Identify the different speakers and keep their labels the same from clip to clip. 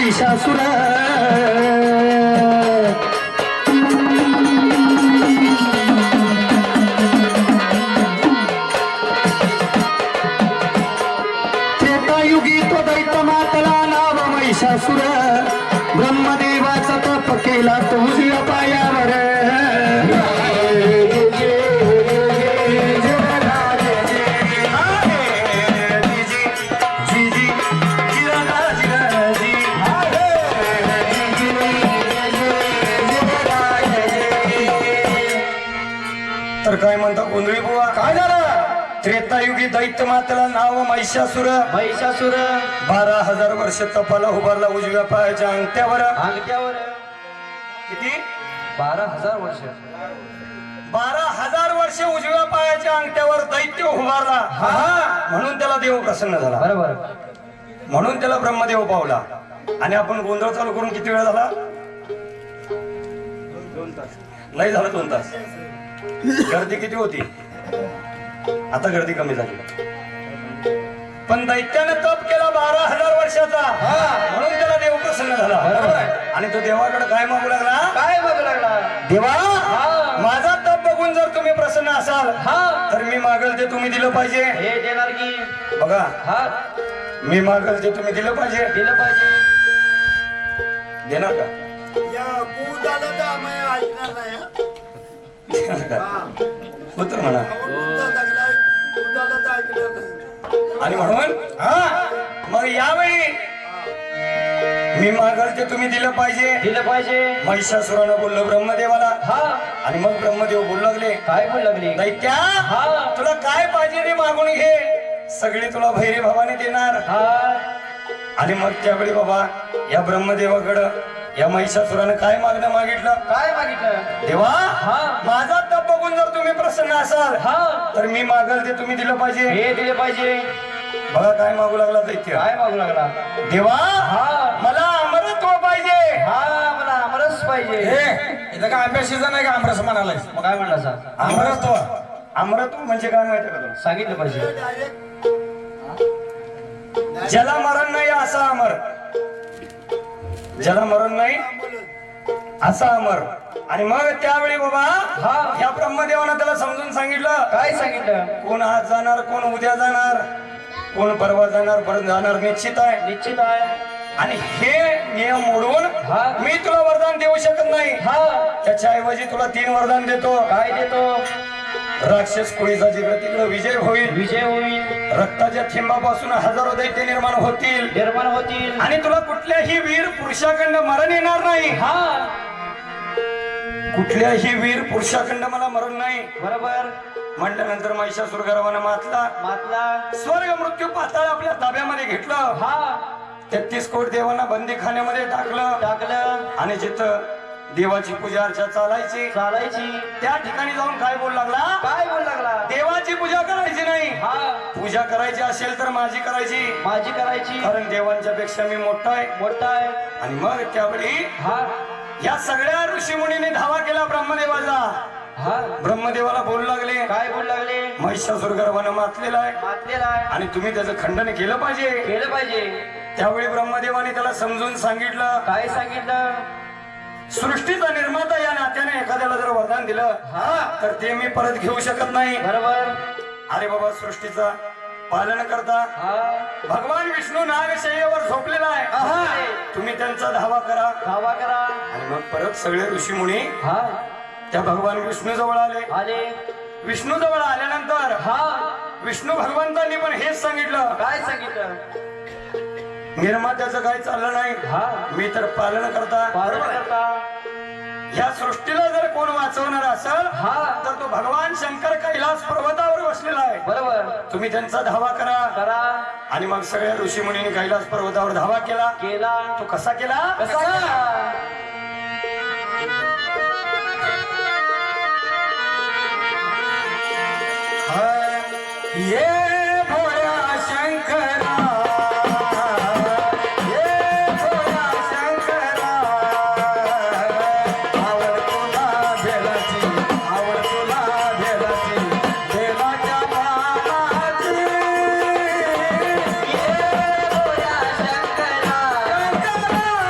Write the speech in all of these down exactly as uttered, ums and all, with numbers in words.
Speaker 1: महिषासुर त्रेतायुगी तो दैत्य मातला नाव महिषासुर ब्रह्मदेवाचा तप केला तो उजव्या पायावर
Speaker 2: तर काय म्हणता गोंधळी बुवा
Speaker 1: काय झालं
Speaker 2: त्रेतायुगी दैत्य मातेला नाव महिषासुर
Speaker 1: महिषासुर
Speaker 2: बारा हजार वर्ष तपाला उभारला उजव्या पायाच्या अंगठ्यावर
Speaker 1: अंगठ्यावर
Speaker 2: किती
Speaker 1: बारा हजार वर्ष
Speaker 2: बारा हजार वर्ष उजव्या पायाच्या अंगठ्यावर दैत्य उभारला म्हणून त्याला देव प्रसन्न झाला
Speaker 1: बरोबर
Speaker 2: म्हणून त्याला ब्रह्मदेव पावला. आणि आपण गोंधळ चालू करून किती वेळ झाला दोन तास नाही झालं दोन तास गर्दी किती होती आता गर्दी कमी झाली पण दैत्याने तप केला बारा हजार वर्षाचा म्हणून त्याला देव प्रसन्न झाला आणि तो देवाकडे काय मागू लागला
Speaker 1: काय मागू लागला
Speaker 2: देवा माझा तप बघून जर तुम्ही प्रसन्न असाल तर मी मागल ते तुम्ही दिलं पाहिजे
Speaker 1: हे देणार की
Speaker 2: बघा
Speaker 1: हा
Speaker 2: मी मागल ते तुम्ही दिलं पाहिजे
Speaker 1: दिलं पाहिजे
Speaker 2: देणार का
Speaker 3: या पूज आलं तर आम्ही ऐकणार नाही हं?
Speaker 2: देणार का
Speaker 3: हा.
Speaker 2: उत्तर म्हणा
Speaker 3: पूजा लागलाय, पूज आलं तर ऐकणार नाही.
Speaker 2: आणि म्हणून हा मग यावेळी मी मागल ते तुम्ही दिलं पाहिजे
Speaker 1: दिलं पाहिजे
Speaker 2: महिषासुरानं बोललो ब्रह्मदेवाला
Speaker 1: हा
Speaker 2: आणि मग ब्रह्मदेव बोलू लागले
Speaker 1: काय बोल लागली
Speaker 2: दैत्या
Speaker 1: हा
Speaker 2: तुला काय पाहिजे ते मागून घे सगळी तुला भैरी भावाने देणार
Speaker 1: हा
Speaker 2: आणि मग त्यावेळी बाबा या ब्रह्मदेवाकडं या महिषासुरानं काय मागणं मागितलं
Speaker 1: काय मागितलं
Speaker 2: देवा
Speaker 1: हा
Speaker 2: माझा तप बघून जर तुम्ही प्रसन्न असाल
Speaker 1: हा
Speaker 2: तर मी मागल ते तुम्ही दिलं पाहिजे
Speaker 1: हे दिले पाहिजे
Speaker 2: बघा काय मागू लागला दैत्य
Speaker 1: काय मागू लागला
Speaker 2: देवा
Speaker 1: हा
Speaker 2: मला अमरत्व पाहिजे
Speaker 1: हा मला आमरस पाहिजे
Speaker 4: इथं काय अभ्यासीचा नाही का आमरस म्हणालाय
Speaker 1: मग काय म्हणला सा
Speaker 2: अमरत्व अमरत्व म्हणजे काय माहिती का तुला
Speaker 1: सांगितलं पाहिजे
Speaker 3: डायरेक्ट
Speaker 2: ज्याला मरण नाही असा अमर ज्याला मरण नाही असा अमर आणि मग त्यावेळी बाबा
Speaker 1: हा.
Speaker 2: या ब्रह्मदेवानं त्याला समजून सांगितलं
Speaker 1: काय सांगितलं
Speaker 2: कोण आज जाणार कोण उद्या जाणार कोण परवा जाणार परत जाणार निश्चित आहे
Speaker 1: निश्चित आहे
Speaker 2: आणि हे नियम मोडून
Speaker 1: हा.
Speaker 2: मी तुला वरदान देऊ शकत नाही
Speaker 1: हा
Speaker 2: त्याच्या ऐवजी तुला तीन वरदान देतो
Speaker 1: काय देतो
Speaker 2: राक्षस कुळीचा जिकडे तिकडे विजय होईल
Speaker 1: विजय होईल
Speaker 2: रक्ताच्या थेंबापासून हजारो दैत्य निर्माण होतील
Speaker 1: निर्माण होतील
Speaker 2: आणि तुला कुठल्याही वीर पुरुषाखंड मरण येणार नाही
Speaker 1: हा
Speaker 2: कुठल्याही वीर पुरुषाखंड मला मरण नाही
Speaker 1: बरोबर
Speaker 2: म्हटल्यानंतर महिषासुर गर्वानं मातला
Speaker 1: मातला
Speaker 2: स्वर्ग मृत्यू पाताळ आपल्या ताब्यामध्ये घेतलं
Speaker 1: हा
Speaker 2: तेहतीस कोट देवांना बंदीखान्यामध्ये टाकलं
Speaker 1: टाकलं
Speaker 2: आणि जिथं देवाची पूजा अर्चा चालायची
Speaker 1: चालायची
Speaker 2: त्या ठिकाणी जाऊन काय बोल लागला
Speaker 1: काय बोल लागला
Speaker 2: देवाची पूजा करायची नाही
Speaker 1: हा
Speaker 2: पूजा करायची असेल तर माझी करायची
Speaker 1: माझी करायची
Speaker 2: कारण देवांच्या पेक्षा मी मोठा आहे
Speaker 1: मोठा आहे
Speaker 2: आणि मग त्यावेळी
Speaker 1: हा
Speaker 2: या सगळ्या ऋषीमुनीने धावा केला ब्रह्मदेवाचा
Speaker 1: हा
Speaker 2: ब्रह्मदेवाला बोलू लागले
Speaker 1: काय बोल लागले
Speaker 2: महिषासुर गर्वानं मातलेला आहे
Speaker 1: मातलेला आहे
Speaker 2: आणि तुम्ही त्याचं खंडन केलं पाहिजे
Speaker 1: केलं पाहिजे
Speaker 2: त्यावेळी ब्रह्मदेवाने त्याला समजून सांगितलं
Speaker 1: काय सांगितलं
Speaker 2: सृष्टीचा निर्माता या नात्याने एखाद्याला जर वरदान दिलं
Speaker 1: हा
Speaker 2: तर ते मी परत घेऊ शकत नाही
Speaker 1: बरोबर
Speaker 2: अरे बाबा सृष्टीचा पालन करता
Speaker 1: हा
Speaker 2: भगवान विष्णू नागशय्येवर झोपलेला आहे तुम्ही त्यांचा धावा करा
Speaker 1: धावा करा
Speaker 2: आणि मग परत सगळे ऋषीमुनी
Speaker 1: हा
Speaker 2: त्या भगवान विष्णू जवळ आले
Speaker 1: आले
Speaker 2: विष्णू जवळ आल्यानंतर
Speaker 1: हा
Speaker 2: विष्णू भगवंतांनी पण हेच सांगितलं
Speaker 1: काय सांगितलं
Speaker 2: निर्मात्याचं काय चाललं नाही
Speaker 1: हा
Speaker 2: मी तर पालन करता
Speaker 1: पालन करता
Speaker 2: या सृष्टीला जर कोण वाचवणार असेल
Speaker 1: हा
Speaker 2: तर तो भगवान शंकर कैलास पर्वतावर बसलेला आहे
Speaker 1: बरोबर
Speaker 2: तुम्ही त्यांचा धावा करा
Speaker 1: करा
Speaker 2: आणि मग सगळ्या ऋषी मुनींनी कैलास पर्वतावर धावा केला
Speaker 1: केला
Speaker 2: तो कसा केला
Speaker 1: कसा केला?
Speaker 2: ये भोळ्या शंकरा ये भोळ्या शंकरा आवड तुला भेलाची आवड तुला भेलाची देवाच्या बाळाची
Speaker 1: ये भोळ्या शंकरा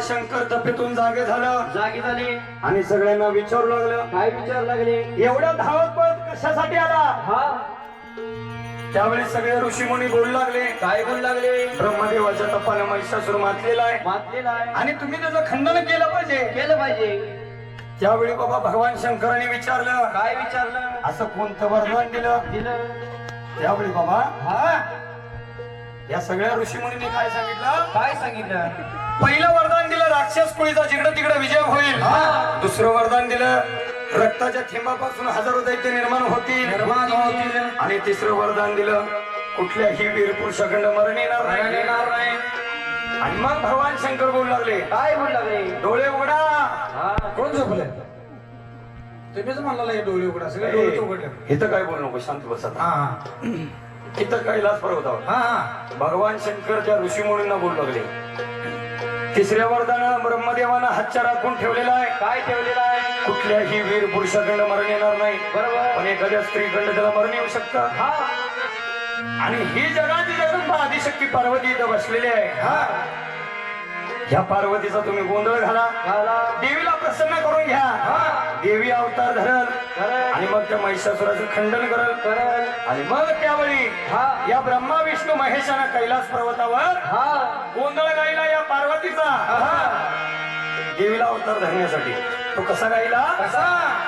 Speaker 2: शंकर तपेतून जागे झालं
Speaker 1: जागी झाले
Speaker 2: आणि सगळ्यांना विचारू लागलं
Speaker 1: काय विचार लागले
Speaker 2: एवढा धावत पळत कशासाठी आला
Speaker 1: हा
Speaker 2: त्यावेळी सगळे ऋषीमुनी बोलू लागले
Speaker 1: काय बोलू लागले
Speaker 2: ब्रह्मदेवाच्या तपानं महिषासुर मातलेला आहे
Speaker 1: मातलेला आहे
Speaker 2: आणि तुम्ही त्याचं खंडन केलं पाहिजे
Speaker 1: केलं पाहिजे
Speaker 2: त्यावेळी बाबा भगवान शंकरांनी विचारलं
Speaker 1: काय विचारलं
Speaker 2: असं कोणतं वरदान दिलं
Speaker 1: दिलं
Speaker 2: त्यावेळी बाबा
Speaker 1: हा
Speaker 2: या सगळ्या ऋषीमुनींनी काय सांगितलं
Speaker 1: काय सांगितलं
Speaker 2: पहिलं वरदान दिलं राक्षस कुळीचा जिकडे तिकडे विजय होईल
Speaker 1: हा.
Speaker 2: दुसरं वरदान दिलं रक्ताच्या थेंबापासून हजारो दैत्य निर्माण होतील
Speaker 1: निर्माण होतील.
Speaker 2: आणि तिसरं वरदान दिलं कुठल्याही वीर पुरुषाखंड मरण येणार
Speaker 1: मरण
Speaker 2: नाही
Speaker 1: येणार नाही
Speaker 2: आणि मग भगवान शंकर बोलू लागले
Speaker 1: काय बोलू लागले
Speaker 2: डोळे उघडा
Speaker 1: हा
Speaker 4: कोण झोपले तुम्हीच म्हणला हे डोळे उघडा सगळे डोळे उघडले
Speaker 2: इथं काय बोलू नको शांत बसत
Speaker 4: हा हा
Speaker 2: इथं कैलास पर्वतावर
Speaker 4: हा हा
Speaker 2: भगवान शंकर त्या ऋषीमुनींना बोलू लागले तिसऱ्या वरदान ब्रह्मदेवानं हातच्या राखून ठेवलेला आहे
Speaker 1: काय ठेवलेलं आहे
Speaker 2: कुठल्याही वीर पुरुषाखंड मरण येणार नाही
Speaker 1: बरोबर
Speaker 2: पण एखाद्या स्त्रीखंड त्याला मरण येऊ शकतं
Speaker 1: हा
Speaker 2: आणि ही जगाची जगदंबा आदिशक्ती पार्वती इथं बसलेली आहे
Speaker 1: हा
Speaker 2: ह्या पार्वतीचा तुम्ही गोंधळ घाला
Speaker 1: झाला
Speaker 2: देवीला प्रसन्न करून घ्या
Speaker 1: हा
Speaker 2: देवी अवतार धरल
Speaker 1: करल
Speaker 2: आणि मग त्या महिषासुराचं खंडन करल
Speaker 1: करल
Speaker 2: आणि मग त्यावेळी
Speaker 1: हा
Speaker 2: या ब्रह्मा विष्णू महेशानं कैलास पर्वतावर
Speaker 1: हा
Speaker 2: गोंधळ गायला या पार्वतीचा
Speaker 1: हा
Speaker 2: देवीला अवतार धरण्यासाठी तो कसा गायला
Speaker 1: कसा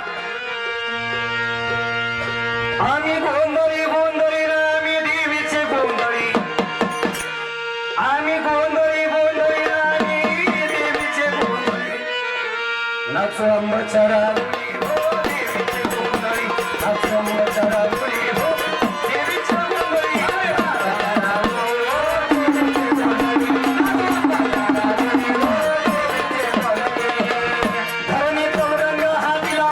Speaker 2: आम्ही गोंधळी गोंधळी ना आम्ही देवीचे गोंधळी आम्ही गोंधळी गोंधळी ना आम्ही देवीचे गोंधळी नाचो अंबचरावळी हो देवीचे गोंधळी नाचो अंबचरावळी हो देवीचे गोंधळी धरणी चौरंग हा दिला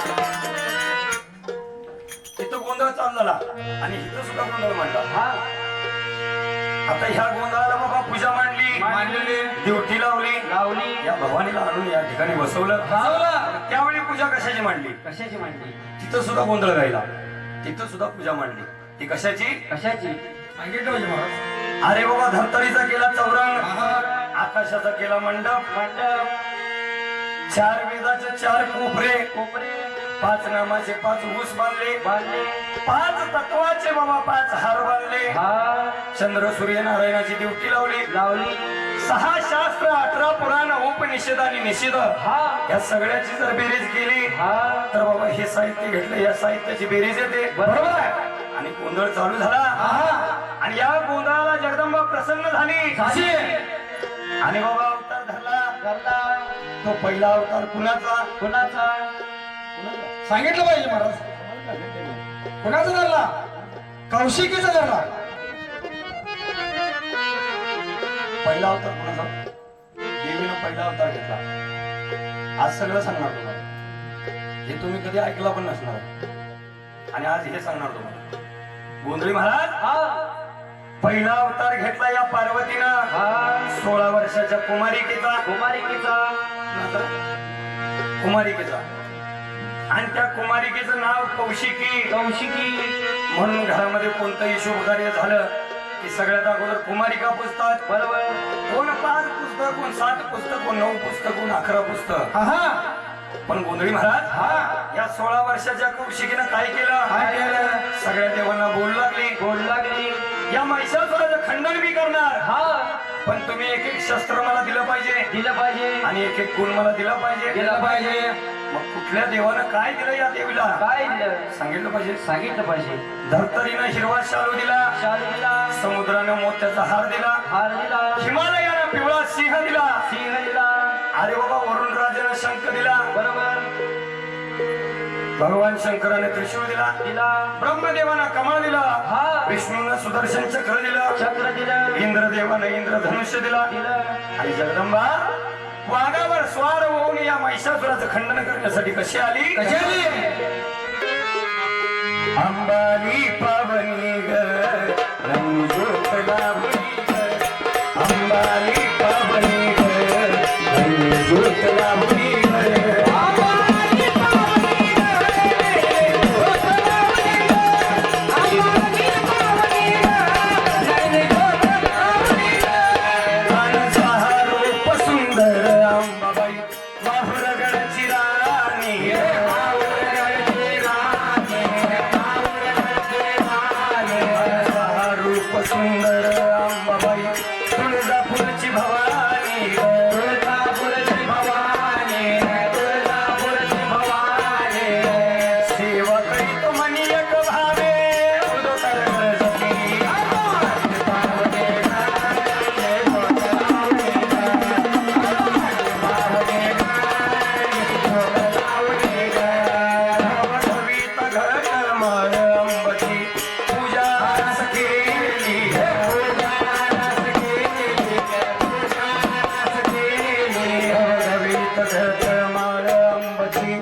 Speaker 2: इथं गोंधळ चालला आणि इथं सुद्धा गोंधळ मांडला
Speaker 1: हा
Speaker 2: आता ह्या गोंधळाला बाबा पूजा मांडली
Speaker 1: मांडलेली
Speaker 2: ड्युटी लावली
Speaker 1: लावली
Speaker 2: या भवानीला आणून या ठिकाणी बसवलं
Speaker 1: लावला
Speaker 2: त्यावेळी पूजा कशाची मांडली
Speaker 1: कशाची मांडली
Speaker 2: तिथं सुद्धा गोंधळ गायला तिथं सुद्धा पूजा मांडली ती कशाची
Speaker 1: कशाची
Speaker 4: सांगितलं पाहिजे महाराज
Speaker 2: अरे बाबा धर्तरीचा केला चौरंग आकाशाचा केला मंडप
Speaker 1: मंडप
Speaker 2: चार वेदाचे चार कोपरे
Speaker 1: कोपरे
Speaker 2: पाच नामाचे पाच ऊस बांधले
Speaker 1: बांधले
Speaker 2: पाच तत्वाचे बाबा पाच हार बांधले
Speaker 1: हा
Speaker 2: चंद्र सूर्य नारायणाची ड्युटी लावली
Speaker 1: लावली
Speaker 2: सहा शास्त्र अठरा पुराण उपनिषद आणि निषेध
Speaker 1: हा
Speaker 2: या सगळ्याची जर बेरीज केली
Speaker 1: हा
Speaker 2: तर बाबा हे साहित्य घेतलं या साहित्याची बेरीज येते
Speaker 1: बरोबर
Speaker 2: आणि गोंधळ चालू झाला आणि या गोंधळाला जगदंबा प्रसन्न झाली
Speaker 1: झाली.
Speaker 2: आणि बाबा अवतार धरला
Speaker 1: करला
Speaker 2: तो पहिला अवतार कुणाचा
Speaker 1: कुणाचा
Speaker 4: सांगितलं पाहिजे महाराज कुणाचा धरला कौशिकीचा धरला
Speaker 2: पहिला अवतार कुणाचा देवीनं पहिला अवतार घेतला आज सगळं सांगणार तुम्हाला हे तुम्ही कधी ऐकला पण नसणार आणि आज हे सांगणार तुम्हाला गोंधळी महाराज
Speaker 1: हा
Speaker 2: पहिला अवतार घेतला या पार्वतीनं
Speaker 1: हा
Speaker 2: सोळा वर्षाच्या कुमारिकेचा
Speaker 1: कुमारिकेचा
Speaker 2: कुमारिकेचा आणि त्या कुमारिकेचं नाव कौशिकी
Speaker 1: कौशिकी
Speaker 2: म्हणून घरामध्ये कोणतंही शुभ कार्य झालं की सगळ्यात अगोदर कुमारिका पुस्तक
Speaker 1: बरोबर
Speaker 2: कोण पाच पुस्तक कोण सात पुस्तक कोण नऊ पुस्तक कोण अकरा पुस्तक
Speaker 4: हा
Speaker 2: पण गोंधळी महाराज
Speaker 1: हा
Speaker 2: या सोळा वर्षाच्या कौशिकीनं काय केलं
Speaker 1: काय केलं?
Speaker 2: सगळ्या देवांना बोलू लागली
Speaker 1: बोलू लागली
Speaker 2: या महिषासुराचं खंडन मी करणार
Speaker 1: हा
Speaker 2: पण तुम्ही एक एक शस्त्र मला दिलं पाहिजे
Speaker 1: दिलं पाहिजे
Speaker 2: आणि एक एक गुण मला दिला पाहिजे
Speaker 1: दिलं पाहिजे
Speaker 2: मग कुठल्या देवानं काय दिलं या देवीला
Speaker 1: काय दिलं
Speaker 2: सांगितलं पाहिजे
Speaker 1: सांगितलं पाहिजे
Speaker 2: धर्तरीनं हिरवा शालू दिला
Speaker 1: शालू दिला
Speaker 2: समुद्रानं मोत्याचा हार दिला
Speaker 1: हार दिला
Speaker 2: हिमालयानं पिवळा सिंह दिला
Speaker 1: सिंह दिला
Speaker 2: अरे बाबा वरुण राजानं शंख दिला
Speaker 1: बरोबर
Speaker 2: भगवान शंकराने त्रिशूळ दिला
Speaker 1: दिला
Speaker 2: ब्रह्मदेवानं कमळ दिला
Speaker 1: हा
Speaker 2: विष्णूनं सुदर्शन चक्र दिलं
Speaker 1: चक्र दिलं
Speaker 2: इंद्रदेवानं इंद्रधनुष्य दिला
Speaker 1: दिलं
Speaker 2: आणि जगदंबा वाघावर स्वार होऊन या महिषासुराचं खंडन करण्यासाठी कशी आली
Speaker 4: कशी आली?
Speaker 2: अंबानी पावनी ग रंगज्योत लाभली ग अंबानी पावनी ग रंगज्योत लाभली ग कानचा हा रूप सुंदर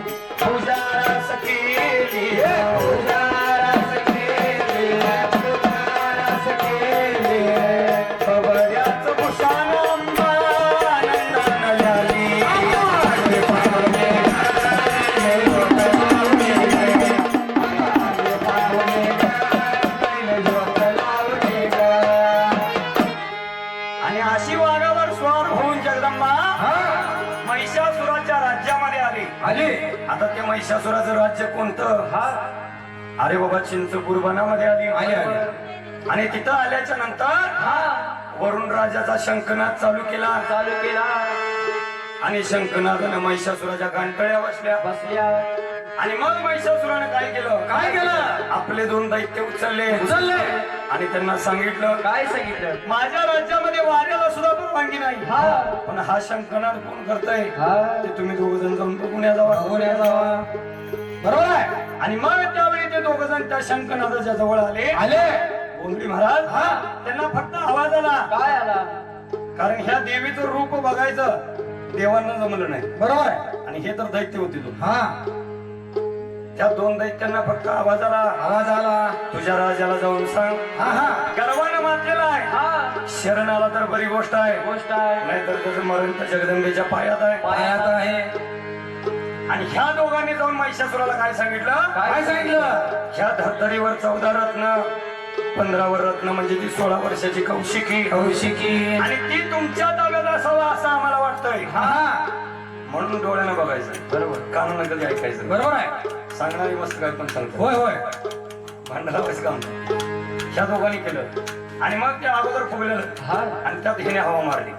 Speaker 2: पूजा रस केली पूजा रस केली पूजा रस केली खबऱ्याच भूषण अंबा आनंदानं झाली आले पावणे आले पावणे आले पावणे आले जोत लावणे ग. आणि अशी वाघावर स्वार होऊन जगदंबा महिषासुराच्या राज्यामध्ये आली
Speaker 4: आले
Speaker 2: आता ते महिषासुराचं राज्य कोणतं
Speaker 4: हा
Speaker 2: अरे बाबा चिंचपूर वनामध्ये आली
Speaker 4: आले आले
Speaker 2: आणि तिथं आल्याच्या नंतर
Speaker 4: हा
Speaker 2: वरुण राजाचा शंखनाद चालू केला
Speaker 4: चालू केला
Speaker 2: आणि शंखनादानं महिषासुराच्या गांठळ्या बसल्या
Speaker 4: बसल्या
Speaker 2: आणि मग महिषासुरानं काय केलं
Speaker 4: काय केलं
Speaker 2: आपले दोन दैत्य उचलले
Speaker 4: उचलले
Speaker 2: आणि त्यांना सांगितलं
Speaker 4: काय सांगितलं
Speaker 2: माझ्या राज्यामध्ये वाऱ्याला सुद्धा परवानगी नाही
Speaker 4: हा
Speaker 2: पण हा शंखनाद कोण करतय
Speaker 4: हा
Speaker 2: ते तुम्ही दोघ जण जाऊन बघून या जावा
Speaker 4: बघून या जावा. बरोबर आहे
Speaker 2: आणि मग त्यावेळी ते दोघ जण त्या शंखनादाच्या जवळ आले
Speaker 4: आले
Speaker 2: बोंगडी महाराज
Speaker 4: हा.
Speaker 2: त्यांना फक्त आवाज आला
Speaker 4: काय आला
Speaker 2: कारण ह्या देवीचं रूप बघायचं देवांना जमलं नाही
Speaker 4: बरोबर आहे
Speaker 2: आणि हे तर दैत्य होते तो
Speaker 4: हा
Speaker 2: त्या दोन दैत्यांना फक्त आवाज आला
Speaker 4: आवाज आला
Speaker 2: तुझ्या राजाला जाऊन सांग
Speaker 4: हा हा
Speaker 2: गर्वानं मातलेला आहे
Speaker 4: हा
Speaker 2: शरण आला तर बरी गोष्ट आहे
Speaker 4: गोष्ट आहे
Speaker 2: नाहीतर त्याचं मरण तर जगदंबेच्या पायात आहे
Speaker 4: पायात आहे
Speaker 2: आणि ह्या दोघांनी जाऊन महिषासुराला काय सांगितलं
Speaker 4: काय सांगितलं
Speaker 2: ह्या धर्तरीवर चौदा रत्न पंधरावर रत्न म्हणजे ती सोळा वर्षाची कौशिकी
Speaker 4: कौशिकी
Speaker 2: आणि ती तुमच्या ताब्यात असावं असं आम्हाला वाटतंय
Speaker 4: हा हा
Speaker 2: म्हणून डोळ्यानं बघायचं
Speaker 4: बरोबर
Speaker 2: कानानं कधी ऐकायचं
Speaker 4: बरोबर आहे
Speaker 2: सांगणारी मस्त काय पण सांगतो
Speaker 4: होय होय
Speaker 2: भांडणाचं काम ह्या दोघांनी केलं आणि मग ते अगोदर फुगलेलं
Speaker 4: हा
Speaker 2: आणि त्यात हिने हवा मारली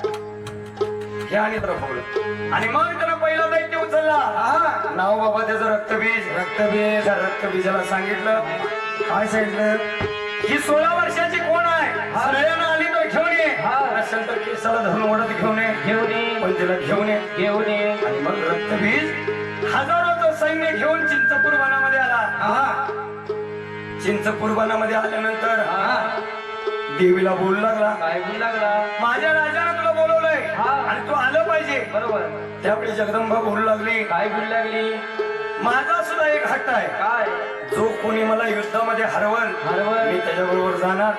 Speaker 2: हे आणि तर फुगलं आणि मग त्यानं पहिला दैत्य उचलला
Speaker 4: हा
Speaker 2: नाव बाबा त्याचं रक्तबीज
Speaker 4: रक्तबीज
Speaker 2: त्या रक्तबीजाला सांगितलं काय सांगितलं ही सोळा वर्षाची कोण आहे सगळ्यांना आली तो घेऊन ये
Speaker 4: हा.
Speaker 2: असेल तर केसाला धरून ओढत घेऊन ये
Speaker 4: घेऊन ये
Speaker 2: पण तिला घेऊन ये
Speaker 4: घेऊन ये
Speaker 2: आणि मग रक्तबीज हजारोचं सैन्य घेऊन चिंचपूर वनामध्ये आला
Speaker 4: हा
Speaker 2: चिंचपूर वनामध्ये आल्यानंतर
Speaker 4: हा
Speaker 2: देवीला बोलू लागला
Speaker 4: काय बोलू लागला
Speaker 2: माझ्या राजानं तुला बोलवलंय
Speaker 4: हा.
Speaker 2: आणि तू आलं पाहिजे
Speaker 4: बरोबर
Speaker 2: त्यावेळी जगदंबा बोलू लागली
Speaker 4: काय बोलू लागली
Speaker 2: माझा सुद्धा एक हट्ट आहे
Speaker 4: काय
Speaker 2: जो कोणी मला युद्धामध्ये हरवल
Speaker 4: हरवल.
Speaker 2: मी त्याच्याबरोबर जाणार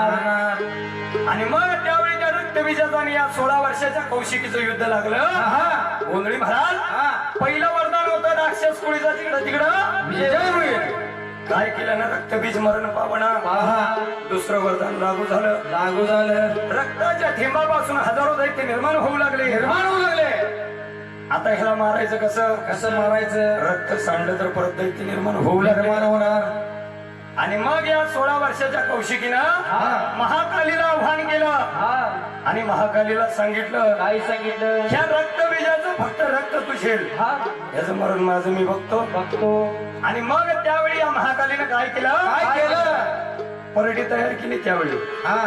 Speaker 4: जाणार
Speaker 2: आणि मग त्यावेळी त्या रक्तबीजाचं आणि या सोळा वर्षाच्या कौशिकीचं युद्ध लागलं
Speaker 4: हा
Speaker 2: गोंधळी महाराज
Speaker 4: हा
Speaker 2: पहिलं वरदान होतं राक्षस कुळीचा तिकडं तिकडं
Speaker 4: विजय होईल
Speaker 2: काय केलं ना रक्तबीज मरण पावणा
Speaker 4: हा
Speaker 2: दुसरं वरदान लागू झालं
Speaker 4: लागू झालं
Speaker 2: रक्ताच्या थेंबापासून हजारो दैत्य निर्माण होऊ लागले
Speaker 4: निर्माण होऊ लागले
Speaker 2: आता ह्याला मारायचं कसं
Speaker 4: कसं मारायचं
Speaker 2: रक्त सांडलं तर परत दैत्य निर्माण होऊ लागले
Speaker 4: निर्माण होणार
Speaker 2: आणि मग या सोळा वर्षाच्या कौशिकीनं
Speaker 4: हा.
Speaker 2: महाकालीला आव्हान केलं
Speaker 4: हा
Speaker 2: आणि महाकालीला सांगितलं
Speaker 4: काय सांगितलं
Speaker 2: ह्या रक्तबीजाचं फक्त रक्त तुझेल
Speaker 4: हा
Speaker 2: याचं मरण माझं मी बघतो
Speaker 4: बघतो
Speaker 2: आणि मग त्यावेळी या महाकालीनं काय केलं
Speaker 4: काय केलं
Speaker 2: परडी तयार केली त्यावेळी
Speaker 4: हा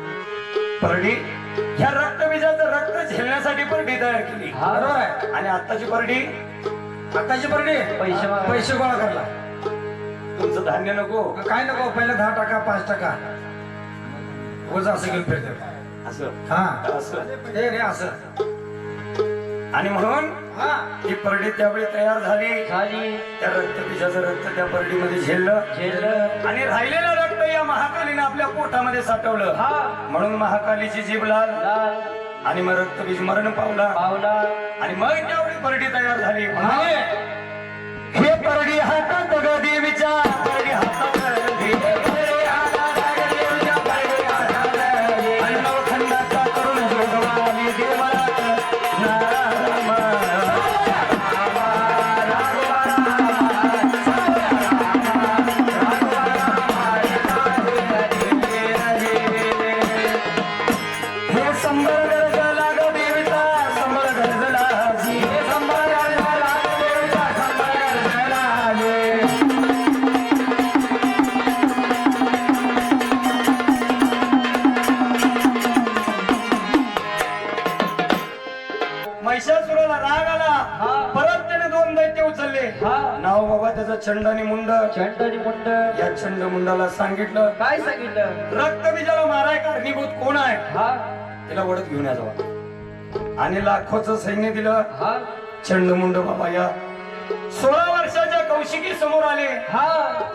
Speaker 2: परडी ह्या रक्तबीजाचं रक्त झेलण्यासाठी परडी तयार केली
Speaker 4: हा बरोबर आहे
Speaker 2: आणि आत्ताची परडी
Speaker 4: आताची परडी पैसे पैसे गोळा करला
Speaker 2: तुमचं धान्य नको
Speaker 4: काय नको पहिला दहा टक्का पाच टक्का वजा असं घेऊन फिरते
Speaker 2: असं
Speaker 4: हा
Speaker 2: असं
Speaker 4: हे रे असं
Speaker 2: आणि म्हणून
Speaker 4: हा
Speaker 2: ही परडी त्यावेळी तयार झाली
Speaker 4: झाली
Speaker 2: त्या रक्तबीजाचं रक्त त्या परडीमध्ये झेललं
Speaker 4: झेललं
Speaker 2: आणि राहिलेलं रक्त या महाकालीने आपल्या पोटामध्ये साठवलं
Speaker 4: हा
Speaker 2: म्हणून महाकालीची जीभ लाल
Speaker 4: लाल
Speaker 2: आणि मग रक्तबीज मरण पावला
Speaker 4: पावला
Speaker 2: आणि मग त्यावेळी परडी तयार झाली
Speaker 4: म्हणाले,
Speaker 2: हे परडी हातात ग देवीच्या परडी हातात देवीच्या देवीच्या परडी हातात आणि नवखंडाचा करून जोगवाली देवाला नाम. हे संबर गरजला ग देवीचा संबर गरजला जी हे संबर गरजला ग देवीचा संबर गरजला जी. महिषासुराला राग आला
Speaker 4: हा.
Speaker 2: परत त्याने दोन दैत्य उचलले
Speaker 4: हा
Speaker 2: नाव बाबा त्याचं चंड आणि मुंड
Speaker 4: चंडनी मुंड
Speaker 2: या चंड मुंडाला सांगितलं
Speaker 4: काय सांगितलं
Speaker 2: रक्तबीजाला माराय कारणीभूत कोण आहे
Speaker 4: हा
Speaker 2: तिला वडत घेऊन या जावा आणि लाखोचं सैन्य दिलं
Speaker 4: हा
Speaker 2: चंडमुंड बाबा या सोळा वर्षाच्या कौशिकी समोर आले
Speaker 4: हा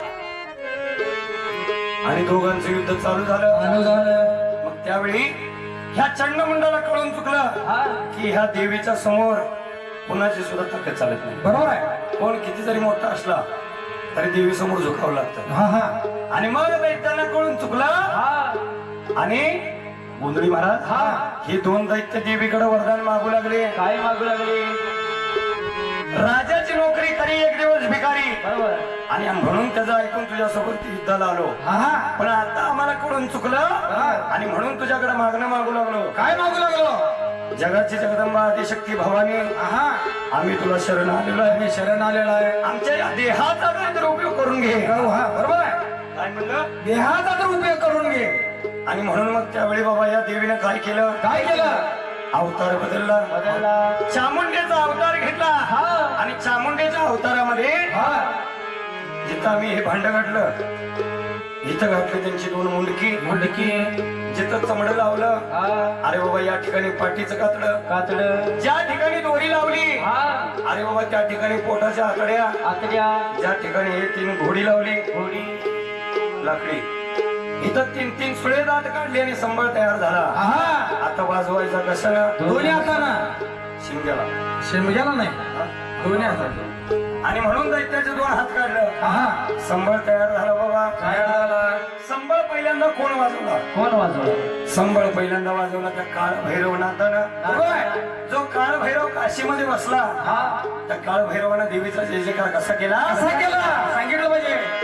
Speaker 2: आणि दोघांचं युद्ध चालू झालं
Speaker 4: चालू झालं
Speaker 2: मग त्यावेळी ह्या चंडमुंडाला कळून चुकलं
Speaker 4: हा
Speaker 2: की ह्या देवीच्या समोर कोणाची सुद्धा ताकद चालत नाही.
Speaker 4: बरोबर आहे
Speaker 2: कोण किती जरी मोठा असला तरी देवी समोर झुकावं लागतं.
Speaker 4: हा हा
Speaker 2: आणि मग दैत्यांना कळून चुकलं
Speaker 4: हा
Speaker 2: आणि गोंधळी महाराज
Speaker 4: हा.
Speaker 2: हे दोन दैत्य देवीकडे वरदान मागू लागले.
Speaker 4: काय मागू लागली
Speaker 2: राजाची नोकरी करी एक दिवस भिकारी
Speaker 4: बरोबर
Speaker 2: आणि म्हणून त्याचं ऐकून तुझ्यासोबत युद्धाला आलो.
Speaker 4: हा हा
Speaker 2: पण आता आम्हाला कळून चुकलं आणि म्हणून तुझ्याकडे मागणं मागू लागलो.
Speaker 4: काय मागू लागलो
Speaker 2: जगाची जगदंबा आदिशक्ती भवानी
Speaker 4: हा
Speaker 2: आम्ही तुला शरण आलेलो आहे.
Speaker 4: मी शरण आलेला आहे
Speaker 2: आमच्या या देहाचा काहीतरी उपयोग करून घे.
Speaker 4: हो, हा बरोबर आहे
Speaker 2: काय म्हणलं
Speaker 4: देहाचा तर उपयोग करून घे
Speaker 2: आणि म्हणून मग त्यावेळी बाबा या देवीनं काय केलं
Speaker 4: काय केलं
Speaker 2: अवतार बदलला
Speaker 4: बदलला
Speaker 2: चामुंडेचा अवतार घेतला
Speaker 4: हा
Speaker 2: आणि चामुंडेच्या अवतारामध्ये
Speaker 4: हा
Speaker 2: जिथं आम्ही हे भांड घातलं इथं घातली त्यांची दोन मुंडकी
Speaker 4: मुंडकी
Speaker 2: जिथं चमड लावलं
Speaker 4: हा
Speaker 2: अरे बाबा या ठिकाणी पाठीचं कातडं
Speaker 4: कातड
Speaker 2: ज्या ठिकाणी दोरी लावली
Speaker 4: हा
Speaker 2: अरे बाबा त्या ठिकाणी पोटाच्या आकड्या
Speaker 4: आतड्या
Speaker 2: ज्या ठिकाणी हे तीन घोडी लावली
Speaker 4: घोडी
Speaker 2: लाकडी इथं तीन तीन सुळे दात काढले आणि संबळ तयार झाला.
Speaker 4: हा
Speaker 2: आता वाजवायचा कशाला
Speaker 4: दोन्ही हाताना
Speaker 2: शिमग्याला
Speaker 4: शेमग्याला नाही दोन्ही हाताना
Speaker 2: आणि म्हणून दैत्याचे दोन हात काढलं
Speaker 4: हा
Speaker 2: संबळ तयार झाला बाबा.
Speaker 4: काय झाला
Speaker 2: संबळ पहिल्यांदा कोण वाजवला
Speaker 4: कोण वाजवलं
Speaker 2: संबळ पहिल्यांदा वाजवला त्या काळ भैरवनाथानं.
Speaker 4: बरोबर आहे
Speaker 2: जो काळ भैरव काशीमध्ये बसला
Speaker 4: हा
Speaker 2: त्या काळ भैरवानं देवीचा जय जयकार कसा केला
Speaker 4: कसा केला सांगितलं पाहिजे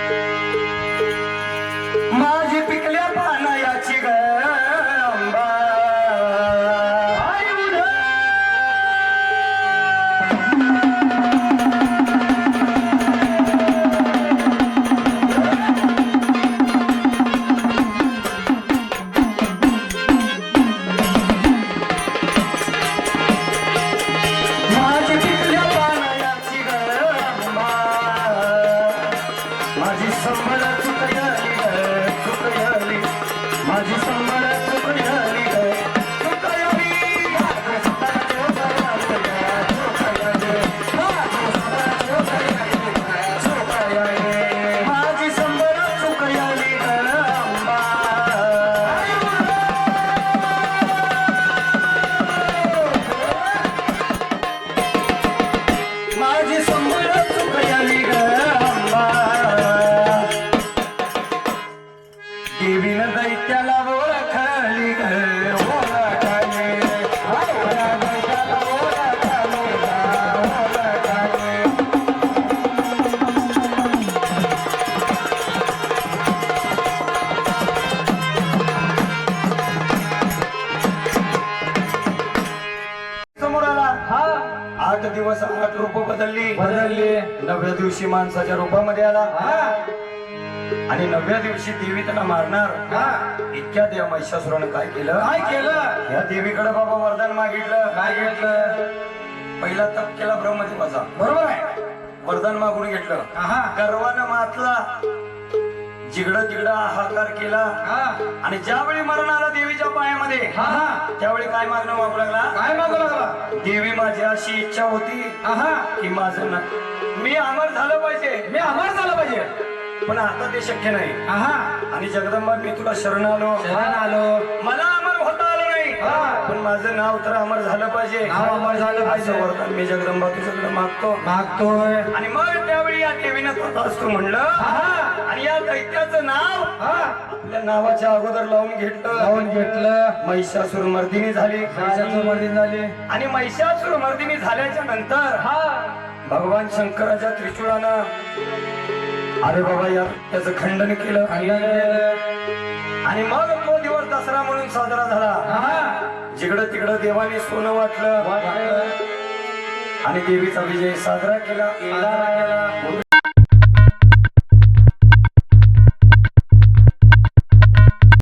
Speaker 2: माझी पिकल्या पानायाची ग अंबा
Speaker 4: आई उद्या
Speaker 2: माझी पिकल्या पानायाची ग अंबा माझी संबळ चुकयली ग चुकयली माझी संबळ चुकयली ग चुकयली माझी संबळ चुकयली ग अंबा माझी संबळ चुकयली ग अंबा देवीनं दैत्याला ओळखली ग ओळखली दैत्याला ओळखली ग ओळखली समोर आला
Speaker 4: हा
Speaker 2: आठ दिवस आठ रूप बदलली
Speaker 4: बदलली
Speaker 2: नवव्या दिवशी माणसाच्या रूपामध्ये आला
Speaker 4: हा
Speaker 2: आणि नवव्या दिवशी देवी त्याला मारणार
Speaker 4: हा
Speaker 2: इतक्या त्या महिषासुरानं काय केलं
Speaker 4: काय केलं
Speaker 2: या देवीकडे बाबा वरदान मागितलं.
Speaker 4: काय घेतलं
Speaker 2: पहिला तप केला ब्रह्मदेवाचा
Speaker 4: बरोबर आहे
Speaker 2: वरदान मागून घेतलं.
Speaker 4: हा
Speaker 2: गर्वानं मातला जिगडं तिगडं हाहाकार केला
Speaker 4: हा
Speaker 2: आणि ज्यावेळी मरण आला देवीच्या पायामध्ये
Speaker 4: हा हा
Speaker 2: त्यावेळी काय मागणं मागू लागला
Speaker 4: काय मागू लागला
Speaker 2: देवी माझी अशी इच्छा होती
Speaker 4: हा
Speaker 2: की माझं ना मी अमर झालं पाहिजे
Speaker 4: मी अमर झालं पाहिजे
Speaker 2: पण आता ते शक्य नाही
Speaker 4: हा
Speaker 2: आणि जगदंबा मी तुला शरण आलो
Speaker 4: शरण आलो
Speaker 2: मला अमर होता आलं नाही
Speaker 4: हा.
Speaker 2: पण माझं नाव तर अमर झालं पाहिजे
Speaker 4: नाव अमर झालं पाहिजे.
Speaker 2: असं वरदान मी जगदंबा तुझ्याकडे मागतो
Speaker 4: मागतोय
Speaker 2: आणि मग त्यावेळी या देवीनं तथास्तु म्हणलं
Speaker 4: हा
Speaker 2: आणि या दैत्याचं नाव
Speaker 4: हा
Speaker 2: आपल्या नावाच्या अगोदर लावून घेतलं
Speaker 4: लावून घेतलं
Speaker 2: महिषासुर मर्दिनी झाली
Speaker 4: पैशाचं वर्धन झाले
Speaker 2: आणि महिषासुर मर्दिनी झाल्याच्या नंतर
Speaker 4: हा
Speaker 2: भगवान शंकराच्या त्रिशूळानं अरे बाबा या त्याचं खंडन केलं
Speaker 4: खंडन केलं.
Speaker 2: आणि मग तो दिवस दसरा म्हणून साजरा झाला.
Speaker 4: हा
Speaker 2: जिकडं तिकडं देवाने सोनं वाटलं
Speaker 4: वाटलं.
Speaker 2: आणि देवीचा विजय साजरा केला
Speaker 4: साजरा केला.